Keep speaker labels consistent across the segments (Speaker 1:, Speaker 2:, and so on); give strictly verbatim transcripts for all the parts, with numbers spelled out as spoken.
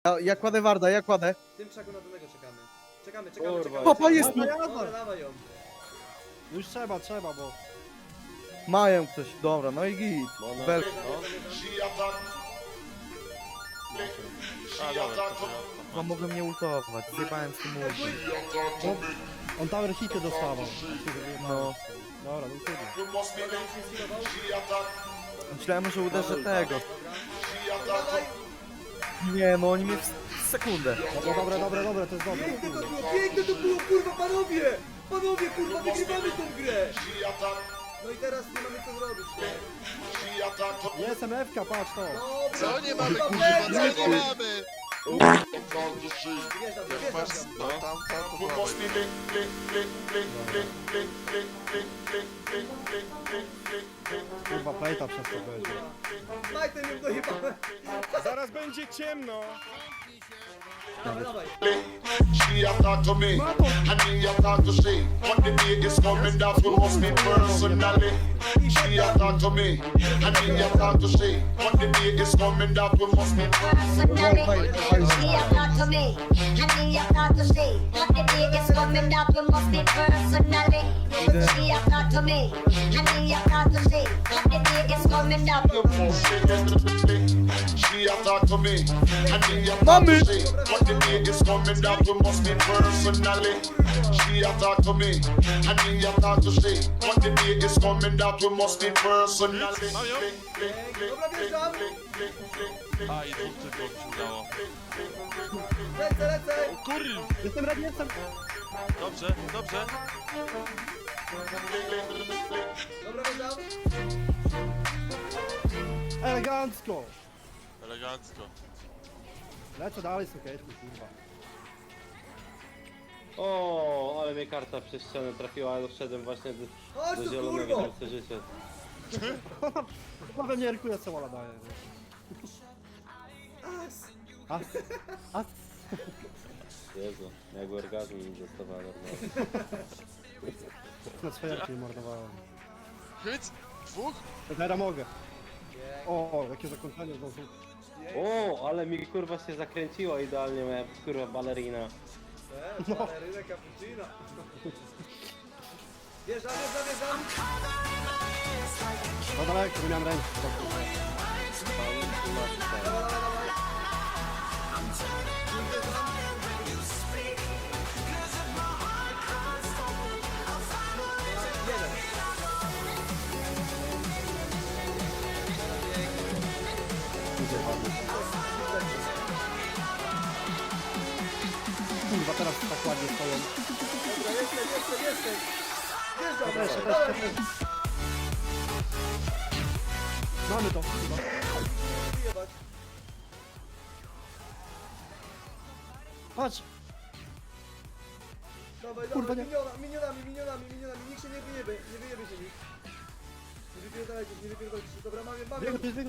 Speaker 1: Ja, ja kładę Warda, ja kładę.
Speaker 2: W tym krzaku na danego czekamy. Czekamy, czekamy,
Speaker 3: Kurwa,
Speaker 2: czekamy.
Speaker 1: Papa
Speaker 2: czekamy.
Speaker 1: jest
Speaker 2: Dobra,
Speaker 1: tu.
Speaker 2: Dobra, dawaj ją.
Speaker 4: Już trzeba, trzeba, bo...
Speaker 1: Mają coś, dobra, no i git.
Speaker 3: No,
Speaker 1: Bel...
Speaker 3: no.
Speaker 5: A, dobra, to
Speaker 1: No mogę mnie ultować, zjebałem z tym ultem.
Speaker 4: No, on tower hity dostawał.
Speaker 1: No.
Speaker 4: Dobra, no trudno.
Speaker 2: Dobra, już nie skillował.
Speaker 1: Myślałem, że uderzę tego.
Speaker 2: Dobra. Dawaj.
Speaker 1: Nie, no oni mnie w sekundę.
Speaker 4: Dobra, dobra, dobra, dobra, to jest dobre.
Speaker 2: Piękne to było, piękne to było, kurwa, panowie! Panowie, kurwa, wygrywamy tą grę! No i teraz nie mamy co zrobić, nie?
Speaker 4: Jest M F K, patrz to.
Speaker 2: Dobra,
Speaker 5: co nie mamy,
Speaker 2: kurwa,
Speaker 5: kurwa, co
Speaker 2: będzie!
Speaker 5: nie mamy?
Speaker 2: Wjeżdżam,
Speaker 5: Jak
Speaker 2: wjeżdżam
Speaker 5: masz,
Speaker 2: tam.
Speaker 5: no tam, tam, to mamy.
Speaker 4: Kurwa, plejta przez to będzie.
Speaker 2: Majtem ją dojebałem.
Speaker 4: Zaraz będzie ciemno.
Speaker 2: Dawaj, dawaj.
Speaker 6: She a talk to me, and me a talk to she. What the day is coming, that will must be personally. She a talk to me, and me a talk to she. What the day is coming, that will must be
Speaker 7: Personally, she a talk to me, and me a talk to she. What the day is coming that we must be personally. She a talk to me, and me a talk to she. What the day is coming that we
Speaker 6: personally. She a talk to me, and me a talk to she. What the day is coming, that we must be personally. She a talk to me, and me a talk to she. What the day is coming, that we must be personally.
Speaker 2: Dobra, wjeżdżam.
Speaker 5: A, i dwóch tylko się udało.
Speaker 2: Lecę, lecę.
Speaker 5: O kurwa!
Speaker 4: Jestem ready, jestem.
Speaker 5: Dobrze, dobrze.
Speaker 2: Dobra, wjeżdżam.
Speaker 4: Elegancko.
Speaker 5: Elegancko.
Speaker 4: Lecę dalej, sukieśny, kurwa.
Speaker 3: O, ale mnie karta przez ścianę trafiła, ale doszedłem właśnie do,
Speaker 2: Chodź
Speaker 3: do
Speaker 2: tu,
Speaker 3: zielonego
Speaker 2: kurwo.
Speaker 3: serce życia.
Speaker 4: Chyba we mnie Herkules Sola daje.
Speaker 2: As.
Speaker 4: As, as.
Speaker 3: Jezu, jak orgazm mi dostawała normalnie.
Speaker 4: Na swojarki mordowałem.
Speaker 5: Chyć! Dwóch?
Speaker 4: Teraz mogę. O, o, jakie zakończenie znowu.
Speaker 3: O, ale mi kurwa się zakręciła idealnie, moja kurwa balerina.
Speaker 2: Eee, balerynę cappuccino. Wjeżdżam, wjeżdżam, wjeżdżam.
Speaker 4: No daleko, nie miałem ręki.
Speaker 3: Pan i masz
Speaker 2: Dawaj, dawaj, dawaj. Jeden.
Speaker 4: Kurwa, teraz tak ładnie stoją.
Speaker 2: Dobra, jestem, jestem, jestem. Wjeżdżam,
Speaker 4: Też,
Speaker 2: dawaj,
Speaker 4: też,
Speaker 2: dawaj.
Speaker 4: też. Mamy to, chyba.
Speaker 2: Wyjebać.
Speaker 4: Patrz!
Speaker 2: Dawaj,
Speaker 4: Kurwa,
Speaker 2: dawaj,
Speaker 4: nie.
Speaker 2: miniona, minionami, minionami, minionami. Nikt się nie wyjebie, nie wyjebie się nikt. Nie wypierdalajcie się, nie wypierdalajcie się. Dobra, mamy, mamy.
Speaker 4: Biegł, biegł, biegł.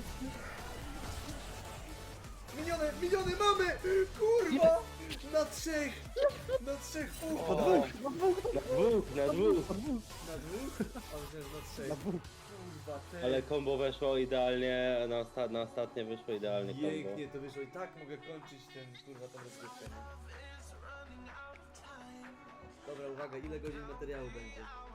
Speaker 2: Miniony, miniony mamy! Kurwa! Na trzech! Na trzech
Speaker 4: Na
Speaker 2: fuch!
Speaker 4: dwóch, na dwóch,
Speaker 3: Na dwóch, na dwóch.
Speaker 4: na dwóch,
Speaker 2: Na dwóch? A myślałem, że na trzech.
Speaker 4: na dwóch.
Speaker 2: Kurwa, ty.
Speaker 3: Ale kombo weszło idealnie, na, osta na ostatnie wyszło idealnie kombo.
Speaker 2: Pięknie to wyszło i tak mogę kończyć ten, kurwa, tą rozgrywkę. nie? Dobra, uwaga, ile godzin materiału będzie?